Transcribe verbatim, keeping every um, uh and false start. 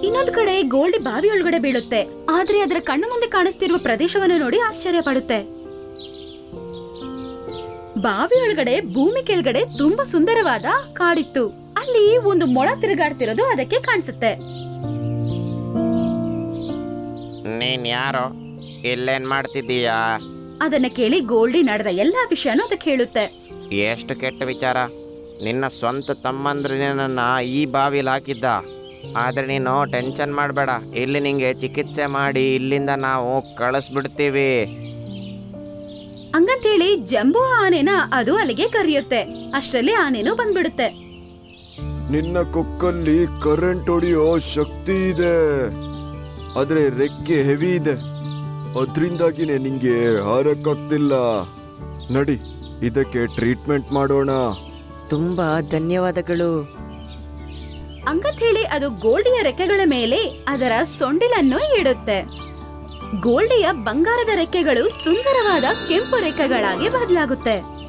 ಇನ್ನೊಂದ್ ಕಡೆ ಗೋಲ್ಡಿ ಬಾವಿ ಒಳಗಡೆ ಬೀಳುತ್ತೆ. ಆದ್ರೆ ಅದರ ಕಣ್ಣು ಮುಂದೆ ಕಾಣಿಸ್ತಿರುವ ಪ್ರದೇಶವನ್ನು ನೋಡಿ ಆಶ್ಚರ್ಯ ಪಡುತ್ತೆ. ಬಾವಿ ಒಳಗಡೆ ಭೂಮಿ ಕೆಳಗಡೆ ತುಂಬಾ ಸುಂದರವಾದ ಕಾಡಿತ್ತು. ಅಲ್ಲಿ ಒಂದು ಮೊಳ ತಿರುಗಾಡ್ತಿರೋದು ಅದಕ್ಕೆ ಕಾಣಿಸುತ್ತೆ. ನೀನ್ ಯಾರೋ, ಇಲ್ಲೇನ್ ಮಾಡ್ತಿದ್ದೀಯಾ? ಅದನ್ನ ಕೇಳಿ ಗೋಲ್ಡಿ ನಡೆದ ಎಲ್ಲಾ ವಿಷಯನೂ ಅದಕ್ಕೆ ಹೇಳುತ್ತೆ. ಎಷ್ಟು ಕೆಟ್ಟ ವಿಚಾರ, ನಿನ್ನ ಸ್ವಂತ ತಮ್ಮಂದ್ರೆ ನಿನ್ನನ್ನು ಈ ಬಾವಿಲಿ ಹಾಕಿದ್ದ. ಆದರೆ ನೀನು ಟೆನ್ಷನ್ ಮಾಡಬೇಡ, ಇಲ್ಲಿ ನಿಂಗೆ ಚಿಕಿತ್ಸೆ ಮಾಡಿ ಇಲ್ಲಿಂದ ನಾವು ಕಳಿಸ್ಬಿಡ್ತೀವಿ. ಹಂಗಂತೇಳಿ ಜಂಬೂ ಆನೆನ ಅದು ಅಲ್ಲಿಗೆ ಕರೆಯುತ್ತೆ. ಅಷ್ಟರಲ್ಲಿ ಆನೆನೂ ಬಂದ್ಬಿಡುತ್ತೆ. ನಿನ್ನ ಕೊಕ್ಕಲ್ಲಿ ಕರೆಂಟ್ ಹೊಡೆಯೋ ಶಕ್ತಿ ಇದೆ, ಆದ್ರೆ ರೆಕ್ಕೆ ಹೆವಿ ಇದೆ, ಅದ್ರಿಂದಾಗಿನೇ ನಿಂಗೆ ಹಾರಕ್ಕಾಗ್ತಿಲ್ಲ. ನಡಿ, ಇದಕ್ಕೆ ಟ್ರೀಟ್ಮೆಂಟ್ ಮಾಡೋಣ. ತುಂಬಾ ಧನ್ಯವಾದಗಳು. ಹಂಗಂತ ಹೇಳಿ ಅದು ಗೋಲ್ಡಿಯ ರೆಕ್ಕೆಗಳ ಮೇಲೆ ಅದರ ಸೊಂಡಿಲನ್ನು ಇಡುತ್ತೆ. ಗೋಲ್ಡಿಯ ಬಂಗಾರದ ರೆಕ್ಕೆಗಳು ಸುಂದರವಾದ ಕೆಂಪು ರೆಕ್ಕೆಗಳಾಗಿ ಬದಲಾಗುತ್ತೆ.